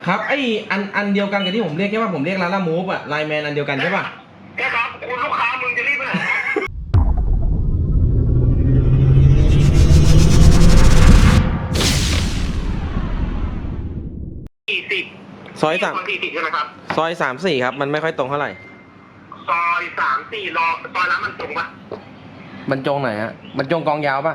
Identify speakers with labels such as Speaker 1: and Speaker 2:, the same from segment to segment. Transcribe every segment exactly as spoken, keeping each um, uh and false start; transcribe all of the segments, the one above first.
Speaker 1: ครับไออันอันเดียวกันกับที่ผมเรียกใช่ป่ะผมเรียกร้านละมูฟอะไลน์แมนอันเดียวกันใช่ป่ะ
Speaker 2: ใช่ครับคุณลูกค้ามึงจะรีบไปไหนสี่สิบ
Speaker 1: ซอยสาม
Speaker 2: สี่สิบใช่ไหมครับ
Speaker 1: ซอยสามสี่ครับมันไม่ค่อยตรงเท่าไหร่
Speaker 2: ซอยสามสี่รอซอยร้านมันตรงปะ
Speaker 1: บรรจงไหนฮะบรรจงกองยาวป่ะ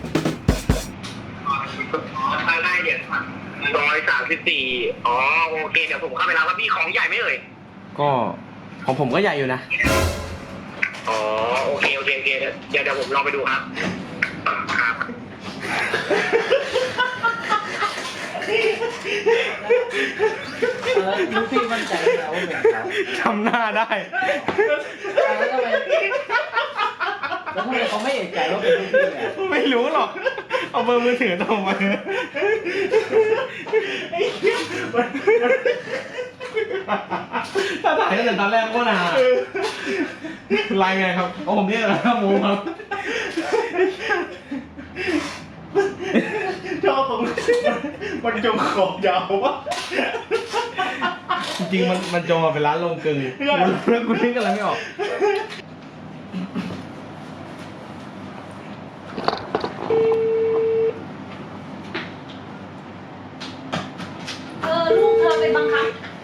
Speaker 2: ไปได้เดี๋ยวซอยสามสิบสี่อ๋อโอเคเดี๋ยวผมเข้าไปรับว่าพี่ของใหญ่ไหมเอ่ย
Speaker 1: ก็ของผมก็ใหญ่อยู่นะ
Speaker 2: อ๋อโอเคโอเคโอเคเดี๋ยวเดี๋ยวผมลองไปดูครับครับ
Speaker 3: ลูกพี่มั่นใจแล้วว่าเป็นเขา
Speaker 1: ทำหน้าได้
Speaker 3: แล้วทำไมแล้วทำไมเขาไม่เอกใจว่าเป็นลูกพี่อ่ะ
Speaker 1: ไม่รู้หรอกเอาเบอร์มือถือส่งมาถ้าถ่ายตั้งแต่ตอนแรกก็นานไลน์ไงครับเอาผมเรียกแล้วมูครับ
Speaker 4: ชอบตรงมันจงขอบยาววะ
Speaker 1: จริงๆมันมันจงมาเป็นร้านลงกึ่งแล้วกูนึกอะไรไม่ออก
Speaker 5: เออลูกเธอเป็นบังคับ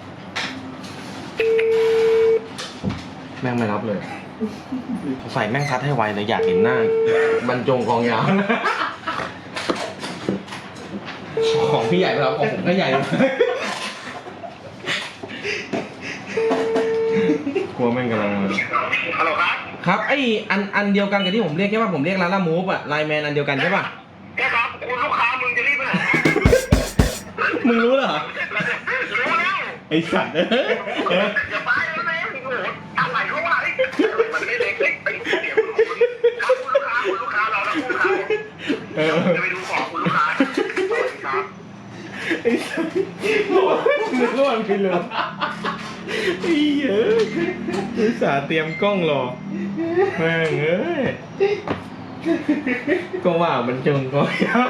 Speaker 1: แม่งไม่รับเลยใส่แม่งซัดให้ไวเลยอยากเห็นหน้าบรรจงกองยาวของพี่ใหญ่ไปแล้วของผมก็ใหญ่กลัวแม่งกำลัง
Speaker 2: ฮัลโหลครับ
Speaker 1: ครับไออันอันเดียวกันกับที่ผมเรียกใช่ป่ะผมเรียกร้านละมูฟอะไลน์แมนอันเดียวกันใช่ป่ะ
Speaker 2: ใช่ครับคุณลูกค้ามึงจะรีบไปไหน
Speaker 1: มึงรู้เหรอ
Speaker 2: รู้แล้ว
Speaker 1: ไอสัตว์เออ
Speaker 2: อย่าไปแล้วนะโอ้โหอะไรเขาว่ามันไม่เล็กเล็กไปเดี๋ยวคุณลูกค้าคุณลูกค้ารอแล้วคุณลูกค้าเออจะไปดูของคุณลูกค้าครับ
Speaker 1: ไอ้สัตว์นึกว่ามันเป็นเรื่องไอ้เอ้ยอุตส่าห์เตรียมกล้องรอแม่งเอ้ยก็ว่ามันจงก็ยับ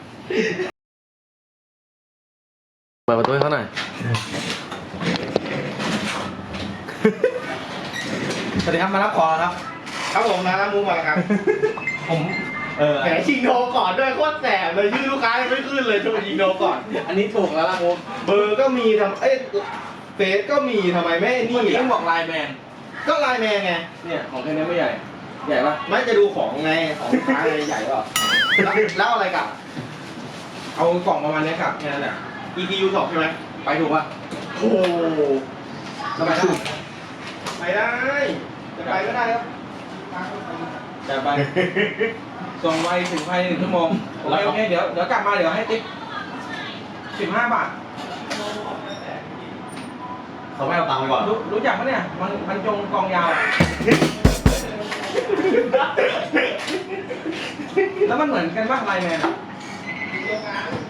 Speaker 1: เปิดประตูให้เขาหน่อยสวัสดีครับมารับของครับ
Speaker 4: ครับผมนะมูมาครับ
Speaker 1: ผมเออ
Speaker 4: แหมชิงโทรก่อนด้วยโคตรแสบเลยชื่อลูกค้ายังไม่ขึ้นเลยโทรชิงโทรก่อน
Speaker 1: อันนี้ถูกแล้วล่ะโม
Speaker 4: เบอร์ก็มีทำเอ้เฟซก็มีทำไมไม่นี่
Speaker 1: ต้องบอกไลน์แมน
Speaker 4: ก็ไลน์แมนไง
Speaker 1: เนี่ยของแค่นี้ไม่ใหญ่ใหญ่ปะ
Speaker 4: ไม่จะดูของไงของลูกค้าไงใหญ่ป่ะแล้วอะไรกับ
Speaker 1: เอากล่องประมาณนี้ครับแค่นั้นแหละ
Speaker 4: อี พี ยู สองใช่ไหม
Speaker 1: ไปถูกป่ะ
Speaker 4: โอ้
Speaker 1: สบายได้
Speaker 4: ไปได้จะไปก็ได้ครับ
Speaker 1: จะไปส่งไวถึงภายในหนึ่งชั่วโมงโอเคโอเคเดี๋ยวเดี๋ยวกลับมาเดี๋ยวให้ติ๊บสิบห้าบาท
Speaker 4: เขาไม่เอาตังค์ไปก่อน
Speaker 1: รู้รู้จักปะเนี่ยมันมันจงกองยาวแล้วมันเหมือนกันป่ะไลน์แมน